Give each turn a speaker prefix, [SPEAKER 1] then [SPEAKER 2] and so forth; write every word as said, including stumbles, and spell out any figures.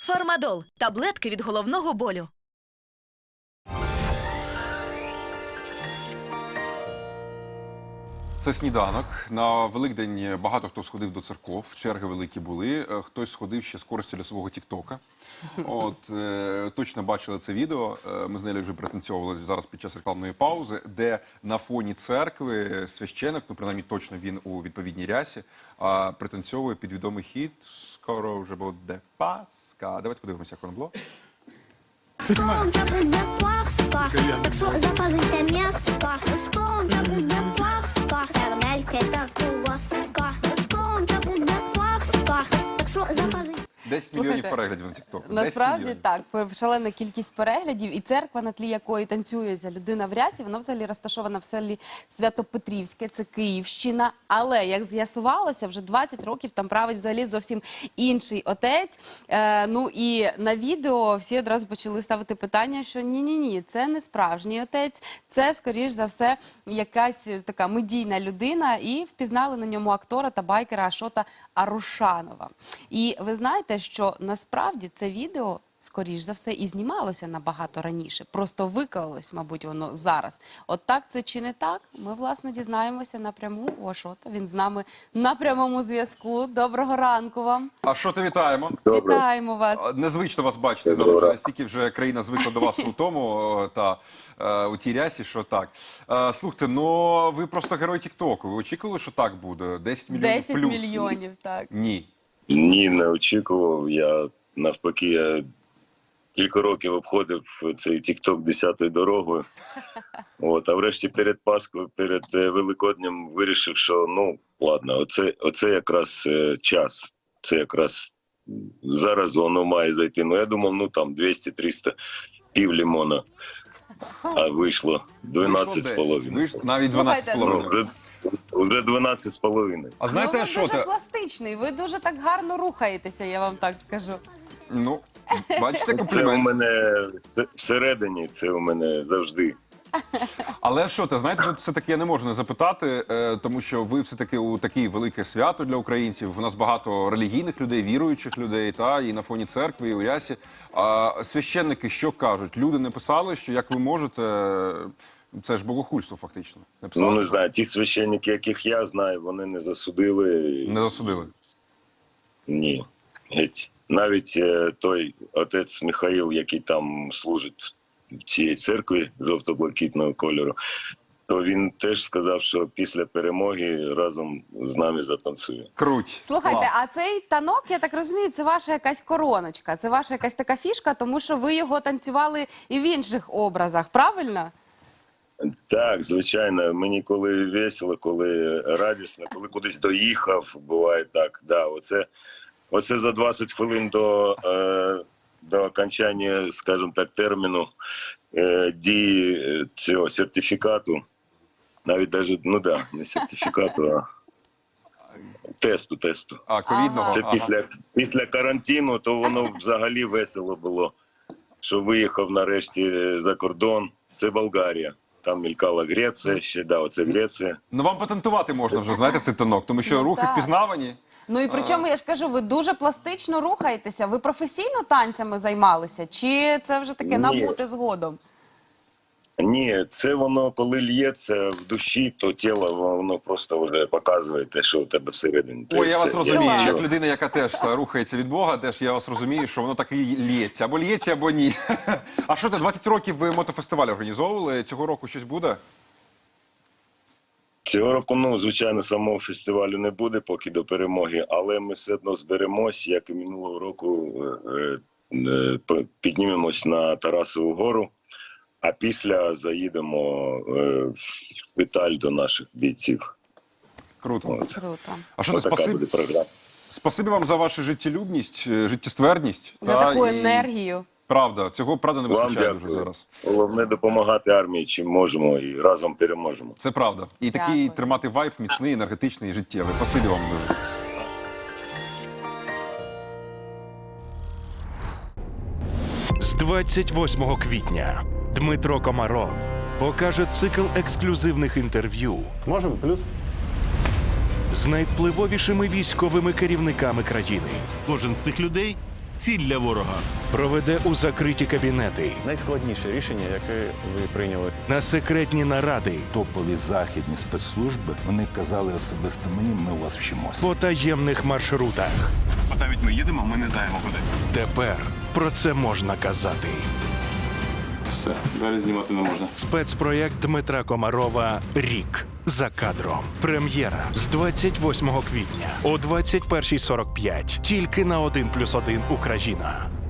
[SPEAKER 1] Фармадол – таблетки від головного болю.
[SPEAKER 2] Це сніданок. На Великдень багато хто сходив до церков, черги великі були. Хтось сходив ще з користю для свого тіктока. От, е, точно бачили це відео. Ми з нею вже пританцьовували зараз під час рекламної паузи, де на фоні церкви священик, ну принаймні точно він у відповідній рясі, а пританцьовує під відомий хіт «Скоро вже буде Пасха». Давайте подивимося, як воно було.
[SPEAKER 3] Скоро буде Пасха, так що запалите м'яско. Скоро буде Пасха, сердельки та ковбаска. Скоро буде Пасха, так що запалите.
[SPEAKER 2] десять мільйонів переглядів на тіктоку.
[SPEAKER 4] Насправді так, шалена кількість переглядів, і церква, на тлі якої танцює ця людина в рясі, вона взагалі розташована в селі Свято-Петрівське, це Київщина. Але, як з'ясувалося, вже двадцять років там править взагалі зовсім інший отець. Е, ну і на відео всі одразу почали ставити питання, що ні-ні-ні, це не справжній отець, це, скоріш за все, якась така медійна людина, і впізнали на ньому актора та байкера Ашота Арушанова. І ви знаєте, що насправді це відео, скоріш за все, і знімалося набагато раніше. Просто виклалось, мабуть, воно зараз. От так це чи не так? Ми, власне, дізнаємося напряму у Ашота. Він з нами на прямому зв'язку. Доброго ранку вам.
[SPEAKER 2] Ашоте, вітаємо.
[SPEAKER 5] Добре.
[SPEAKER 4] Вітаємо вас.
[SPEAKER 2] Незвично вас бачити зараз. Вже настільки вже країна звикла до вас у тому та е, у тій рясі, що так. Е, слухайте, ну ви просто герой тіктоку. Ви очікували, що так буде? десять мільйонів
[SPEAKER 4] десять
[SPEAKER 2] плюс?
[SPEAKER 4] мільйонів, так.
[SPEAKER 2] Ні.
[SPEAKER 5] Ні, не очікував. Я навпаки, я кілька років обходив цей тікток десятою дорогою. От, а врешті перед Пасхою, перед е, Великоднем вирішив, що ну, ладно, оце, оце якраз е, час. Це якраз зараз воно має зайти. Ну, я думав, ну там двісті-триста пів лимона. А вийшло дванадцять з половиною.
[SPEAKER 2] Вийшло навіть дванадцять з
[SPEAKER 4] Слухайте,
[SPEAKER 5] Ну,
[SPEAKER 2] половиною.
[SPEAKER 5] вже, вже дванадцять з половиною.
[SPEAKER 2] А
[SPEAKER 4] Ну,
[SPEAKER 2] знаєте,
[SPEAKER 4] ви
[SPEAKER 2] що
[SPEAKER 4] дуже
[SPEAKER 2] те?
[SPEAKER 4] пластичний, ви дуже так гарно рухаєтеся, я вам так скажу.
[SPEAKER 2] Ну, бачите,
[SPEAKER 5] Це у
[SPEAKER 2] комплімент.
[SPEAKER 5] мене це, всередині, це у мене завжди.
[SPEAKER 2] Але що те, знаєте, тут все-таки я не можу не запитати, е, тому що ви все-таки у таке велике свято для українців. У нас багато релігійних людей, віруючих людей, та і на фоні церкви, і у рясі. А священники що кажуть? Люди не писали, що як ви можете, це ж богохульство фактично. Не писали?
[SPEAKER 5] Ну, не знаю, ті священники, яких я знаю, вони не засудили.
[SPEAKER 2] Не засудили.
[SPEAKER 5] Ні. Геть. Навіть е, той отець Михаїл, який там служить в цій церкві жовто-блакитного кольору, то він теж сказав, що після перемоги разом з нами затанцює.
[SPEAKER 2] Круть.
[SPEAKER 4] Слухайте,
[SPEAKER 2] Клас.
[SPEAKER 4] а цей танок, я так розумію, це ваша якась короночка, це ваша якась така фішка, тому що ви його танцювали і в інших образах, правильно?
[SPEAKER 5] Так, звичайно, мені коли весело, коли радісно, коли кудись доїхав, буває так. Да, оце, оце за двадцять хвилин до, е, до окончання, скажімо так, терміну е, дії цього сертифікату, навіть даже, ну да, не сертифікату, а тесту, тесту.
[SPEAKER 2] А, ковідного?
[SPEAKER 5] Це
[SPEAKER 2] Ага.
[SPEAKER 5] після, після карантину, то воно взагалі весело було, що виїхав нарешті за кордон. Це Болгарія. Там мількала Греція ще, да, оце Греція.
[SPEAKER 2] Ну вам патентувати можна вже, знаєте, цей танок, тому що
[SPEAKER 4] Ну,
[SPEAKER 2] рухи
[SPEAKER 4] так.
[SPEAKER 2] впізнавані.
[SPEAKER 4] Ну і причому, я ж кажу, ви дуже пластично рухаєтеся. Ви професійно танцями займалися? Чи це вже таке
[SPEAKER 5] Ні.
[SPEAKER 4] набути згодом?
[SPEAKER 5] Ні, це воно, коли л'ється в душі, то тіло, воно просто вже показує те, що у тебе всередині. Та й
[SPEAKER 2] Ой, я
[SPEAKER 5] все.
[SPEAKER 2] вас розумію,
[SPEAKER 4] Клас.
[SPEAKER 2] як людина, яка теж та, рухається від Бога, теж я вас розумію, що воно так і лється. Або лється, або ні. А що ти, двадцять років ви мотофестиваль організовували? Цього року щось буде?
[SPEAKER 5] Цього року, ну, звичайно, самого фестивалю не буде поки до перемоги, але ми все одно зберемось, як і минулого року, е, е, п- піднімемось на Тарасову гору, а після заїдемо е, в шпиталь до наших бійців.
[SPEAKER 2] Круто.
[SPEAKER 5] От.
[SPEAKER 4] Круто.
[SPEAKER 2] А що ти,
[SPEAKER 5] Отака
[SPEAKER 2] спасибі,
[SPEAKER 5] буде програма.
[SPEAKER 2] спасибі вам за вашу життєлюбність, е, життєстверність.
[SPEAKER 4] За
[SPEAKER 2] та,
[SPEAKER 4] таку
[SPEAKER 2] і-
[SPEAKER 4] енергію.
[SPEAKER 2] Правда, цього, правда, не
[SPEAKER 5] Вам
[SPEAKER 2] вистачає дуже
[SPEAKER 5] дякую.
[SPEAKER 2] зараз.
[SPEAKER 5] Головне допомагати армії, чим можемо, і разом переможемо.
[SPEAKER 2] Це правда. І такий
[SPEAKER 4] Дякую.
[SPEAKER 2] тримати вайб міцний, енергетичний і життєвий. Спасибі вам дуже.
[SPEAKER 6] З двадцять восьмого квітня Дмитро Комаров покаже цикл ексклюзивних інтерв'ю
[SPEAKER 7] Можемо плюс?
[SPEAKER 6] з найвпливовішими військовими керівниками країни.
[SPEAKER 8] Кожен з цих людей
[SPEAKER 7] ціль для ворога.
[SPEAKER 6] Проведе у закриті кабінети,
[SPEAKER 8] Найскладніше рішення, яке ви прийняли.
[SPEAKER 6] на секретні наради,
[SPEAKER 9] Топові західні спецслужби, вони казали особисто мені, ми у вас вчимося.
[SPEAKER 6] по таємних маршрутах.
[SPEAKER 7] От навіть ми їдемо, ми не знаємо куди.
[SPEAKER 6] Тепер про це можна казати.
[SPEAKER 7] Все, далі знімати не можна.
[SPEAKER 6] Спецпроєкт Дмитра Комарова «Рік за кадром». Прем'єра з двадцять восьмого квітня о двадцять першій сорок п'ять. Тільки на один плюс один Україна.